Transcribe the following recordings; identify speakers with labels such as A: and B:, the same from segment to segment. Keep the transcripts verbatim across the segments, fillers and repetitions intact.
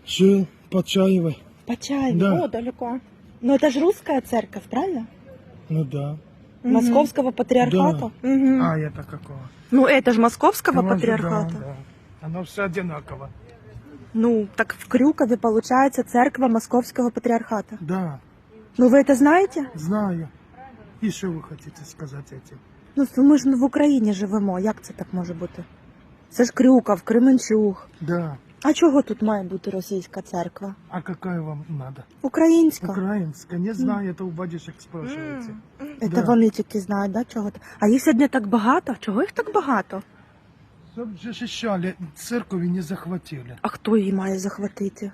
A: Жил Почаевой.
B: Почаево,
A: Да.
B: о, далеко. Но это же русская церковь, правильно?
A: Ну да.
B: Московского патриархата? Мгм.
A: А это какого?
B: Ну это же Московского
A: Там же,
B: патриархата.
A: Да, да. Оно все одинаково.
B: Ну, так в Крюкове получается церковь Московского патриархата.
A: Да,
B: Ну вы это знаете?
A: знаю. І що ви хочете сказати этим?
B: Ну ми ж в Україні живемо, як це так може бути? Це ж Крюков, Кременчуг.
A: Да.
B: А чого тут має бути російська церква?
A: А какая вам надо?
B: Українська.
A: Украинская? Не знаю, это у батюшек спрашиваете.
B: Це
A: Да.
B: вони тільки знають, да, чого? то. А їх сьогодні так багато? Чого їх так багато?
A: Чтоб защищали, церковь не захватили.
B: А хто її має захватити?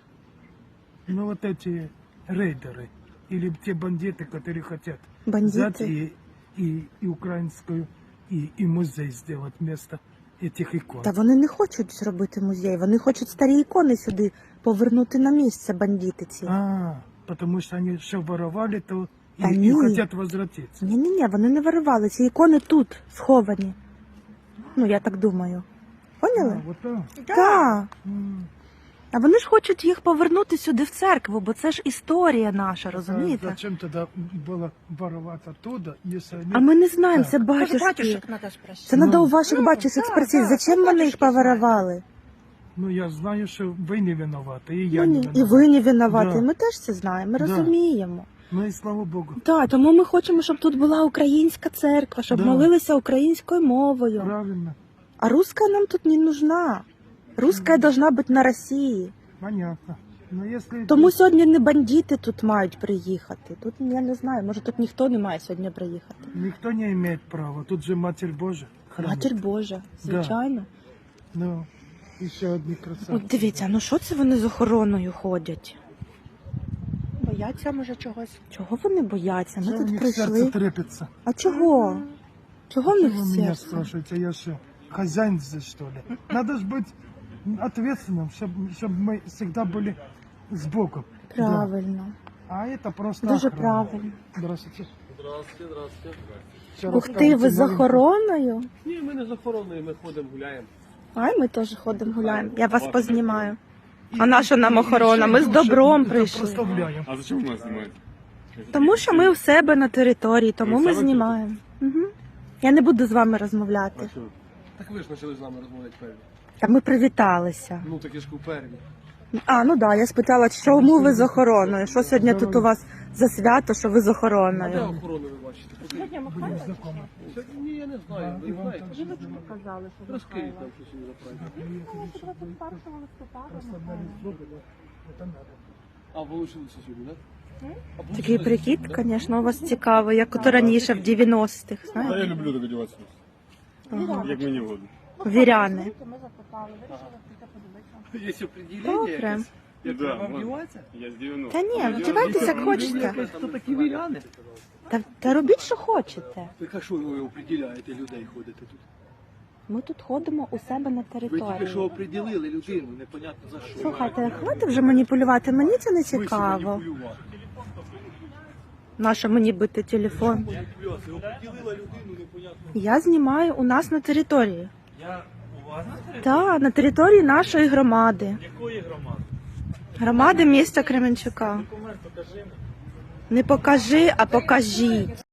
A: Ну вот эти рейдеры. Или те бандиты, которые хотят взять
B: Бандити?
A: и, и, и украинскую, и, и музей сделать вместо этих икон.
B: Та вони не хочуть зробити музей, вони хочуть старі ікони сюди повернути на місце, бандити ці.
A: А, потому что они все воровали, то и,
B: Да
A: и
B: не.
A: хотят возвратиться.
B: Ні-ні-ні, вони не виривали, ці ікони тут, сховані. Ну, я так думаю. Поняли?
A: А, вот так.
B: Так.
A: М.
B: А вони ж хочуть їх повернути сюди в церкву, бо це ж історія наша,
A: А
B: розумієте?
A: зачем тогда было воровать оттуда, если они...
B: А ми не знаємо,
A: Так.
B: це
C: Может,
B: батюшки.
C: батюшек надо спросить?
B: Це
A: Ну.
B: треба у ваших
C: Ну,
B: батюшок
C: да,
B: спросити,
C: да,
B: зачем
C: ну,
B: вони їх
C: батюшки
B: повиривали?
A: Ну, я знаю, что вы не виноваты, и я
B: Ну,
A: не
B: ні,
A: виноват.
B: і ви не винуваті,
A: Да.
B: ми теж це знаємо, ми
A: Да.
B: розуміємо.
A: Ну и слава Богу.
B: Так, тому ми хочемо, щоб тут була українська церква, щоб
A: Да.
B: молилися українською мовою.
A: Правильно.
B: А русская нам тут не нужна. Русская должна бути на Росії.
A: Понятно. Но если...
B: Тому сьогодні не бандити тут мають приїхати. Тут я не знаю, може тут ніхто не має сьогодні приїхати.
A: Никто не имеет права. Тут же Матерь Божия. хранит.
B: Матір Божа, звичайно.
A: Ну, еще одни красавцы.
B: От дивіться, ну що це вони з охороною ходять?
C: Бояться, може, чогось?
B: Чого вони бояться? Ми
A: Что у
B: тут
A: них сердце
B: прийшли.
A: трепется?
B: А чого? Чого в
A: Что
B: них
A: вы меня
B: серце?
A: спрашиваете? Я что, хозяин здесь, что ли? Надо же быть ответственным, чтобы мы всегда были с Богом. Да.
B: Правильно.
A: А это просто
B: Дуже
A: охрана.
B: правильно.
A: Здравствуйте.
D: Здравствуйте, здравствуйте.
A: Всё
B: Ух ти,
A: расскажете
B: ви з
A: маленько.
B: охороною?
D: Ні, ми не з охороною, ми ходимо, гуляємо.
B: Ай, ми теж ходимо гуляємо. Я вас познімаю.
A: И-
B: А наша нам
A: и
B: охорона?
A: еще
B: Ми з
A: душу
B: добром
A: это
B: прийшли.
A: прославляем.
D: А зачем нас знімаєте?
B: Тому що ми у себе на території, тому
D: Ви
B: ми
D: в себе
B: знімаємо. Угу. Я не буду з вами розмовляти.
D: А що? Так ви ж почали з нами розмовляти перві.
B: Та ми привіталися.
D: Ну так я ж у перві.
B: А, ну да, я спитала, чому ви з охороною? Що сьогодні тут у вас за свято, що ви з
D: А де
B: охороною?
D: охорону ви бачите? Покажіть. Сьогодні- Ні, я не знаю. Ви знаєте.
B: Казали, що
D: Розкажіть нам щось за праздник. А ви лишилися сьогодні, так? А
B: Такий
D: получилось?
B: прикид, звісно, у вас цікавий, як ото раніше в дев'яностих,
D: Та я
B: знаєте?
D: люблю так одягатися. Як мені угодно.
B: Віряни.
D: Є определення
B: Добре.
D: якесь? Як
E: Да,
D: треба
E: можна.
D: вдіватися?
E: Я з девяностых.
B: Та ні, вдягайтеся як хочете.
D: Хто такі віряни?
B: Та, та робіть, що хочете.
D: Так а що ви определяєте людей ходите тут?
B: Ми тут ходимо у себе на
D: Ви тільки що
B: території.
D: определили людину, непонятно за що.
B: Слухайте, хватить вже маніпулювати, мені це не
D: Смисл
B: цікаво.
D: маніпулювати?
B: Нащо мені бити телефон?
D: Маніпуляція. Определила людину, непонятно.
B: Я знімаю у нас на території.
E: Я у вас на території?
B: Так, на території нашої громади.
E: Якої громади?
B: Громади міста Кременчука.
E: Документ покажи мені.
B: Не покажи, а покажіть.